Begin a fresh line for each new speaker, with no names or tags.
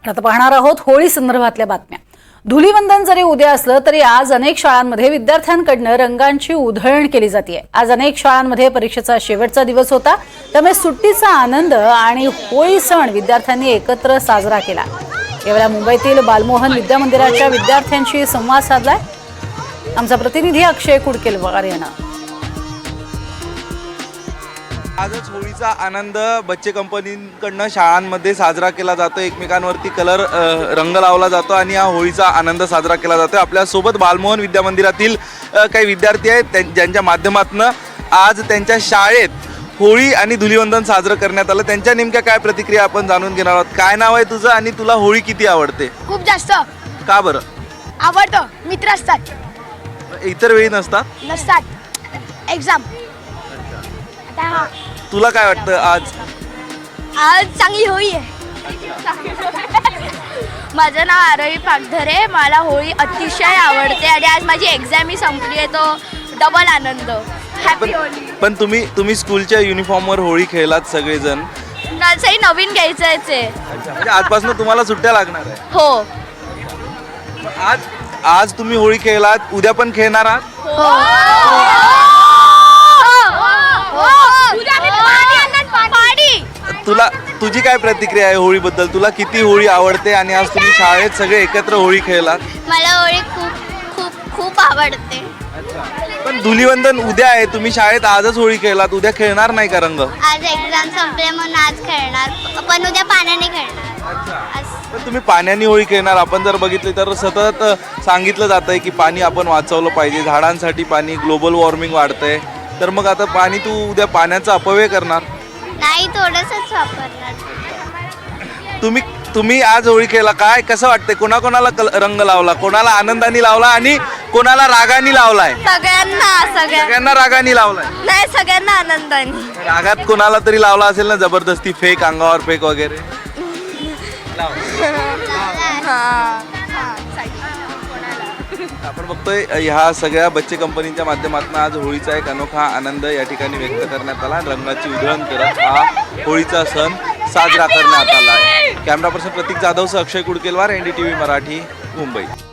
आता पाहणार आहोत होळी संदर्भातल्या बातम्या। धुलीवंदन जरी उद्या असलं तरी आज अनेक शाळांमध्ये विद्यार्थ्यांकडून रंगांची उधळण केली जाते। आज अनेक शाळांमध्ये परीक्षेचा शेवटचा दिवस होता, त्यामुळे सुट्टीचा आनंद आणि होळी सण विद्यार्थ्यांनी एकत्र साजरा केला। यावेळी मुंबईतील बालमोहन विद्या मंदिराच्या विद्यार्थ्यांशी संवाद साधलाय आमचा प्रतिनिधी अक्षय कुडकेलवार यानं।
आजच होळीचा आनंद बच्चे कंपनीकडनं शाळांमध्ये साजरा केला जातो। एकमेकांवरती कलर रंग लावला जातो आणि हा होळीचा आनंद साजरा केला जातो। आपल्यासोबत बालमोहन विद्या मंदिरातील काही विद्यार्थी आहेत ज्यांच्या माध्यमातून आज त्यांच्या शाळेत होळी आणि धुलीवंदन साजरं करण्यात आलं। त्यांच्या नेमक्या काय प्रतिक्रिया आपण जाणून घेणार आहोत। काय नाव आहे तुझं आणि तुला होळी किती आवडते?
खूप जास्त। का
बरं
आवडतं? मित्र असतात,
इतर वेळी नसतात
एक्झाम।
तुला काय वाटतं आज
चांगली होळी आहे। माझं नाव आरोही पागधरे, मला होळी अतिशय आवडते आणि आज माझी एक्झाम ही संपली आहे, तो डबल आनंद। हॅपी होळी।
पण तुम्ही स्कूलच्या युनिफॉर्मवर होळी खेळलात सगळेजण,
तसंही नवीन घ्यायचंच आहे।
म्हणजे आजपासून तुम्हाला सुट्ट्या लागणार आहे?
हो।
आज तुम्ही होळी खेळलात, उद्या पण खेळणार आहात? तुझी काय प्रतिक्रिया आहे होळीबद्दल? तुला किती होळी आवडते आणि आज तुम्ही शाळेत सगळे एकत्र होळी खेळलात?
मला होळी खूप खूप खूप आवडते।
पण धुलीवंदन उद्या आहे, तुम्ही शाळेत आजच होळी खेळलात, उद्या खेळणार नाही का रंग?
आज एक्झाम संपले म्हणून आज खेळणार, पण उद्या पाण्याने खेळणार।
पण तुम्ही पाण्याने होळी खेळणार? आपण जर बघितले तर सतत सांगितलं जातंय की पाणी आपण वाचवलं पाहिजे, झाडांसाठी पाणी, ग्लोबल वॉर्मिंग वाढतंय, तर मग आता पाणी तू उद्या पाण्याचा अपव्यय करणार
नाही? थोडंसंच वापरणार।
तुम्ही आज होळी खेळला, काय कसं वाटतंय? कोणाकोणाला रंग लावला, कोणाला आनंदाने लावला आणि कोणाला रागाने लावलाय? सगळ्यांना रागाने लावलाय?
नाही, सगळ्यांना आनंदाने।
रागात कोणाला तरी लावला असेल ना, जबरदस्ती फेक, अंगावर फेक वगैरे? आपण बघतोय ह्या सगळ्या बच्चे कंपनीच्या माध्यमातून आज होळीचा एक अनोखा आनंद या ठिकाणी व्यक्त करण्यात आला। रंगाची उधळण करत हा होळीचा सण साजरा करण्यात आला आहे। कॅमेरा पर्सन प्रतीक जाधवसह अक्षय कुडकेलवार, NDTV मराठी, मुंबई।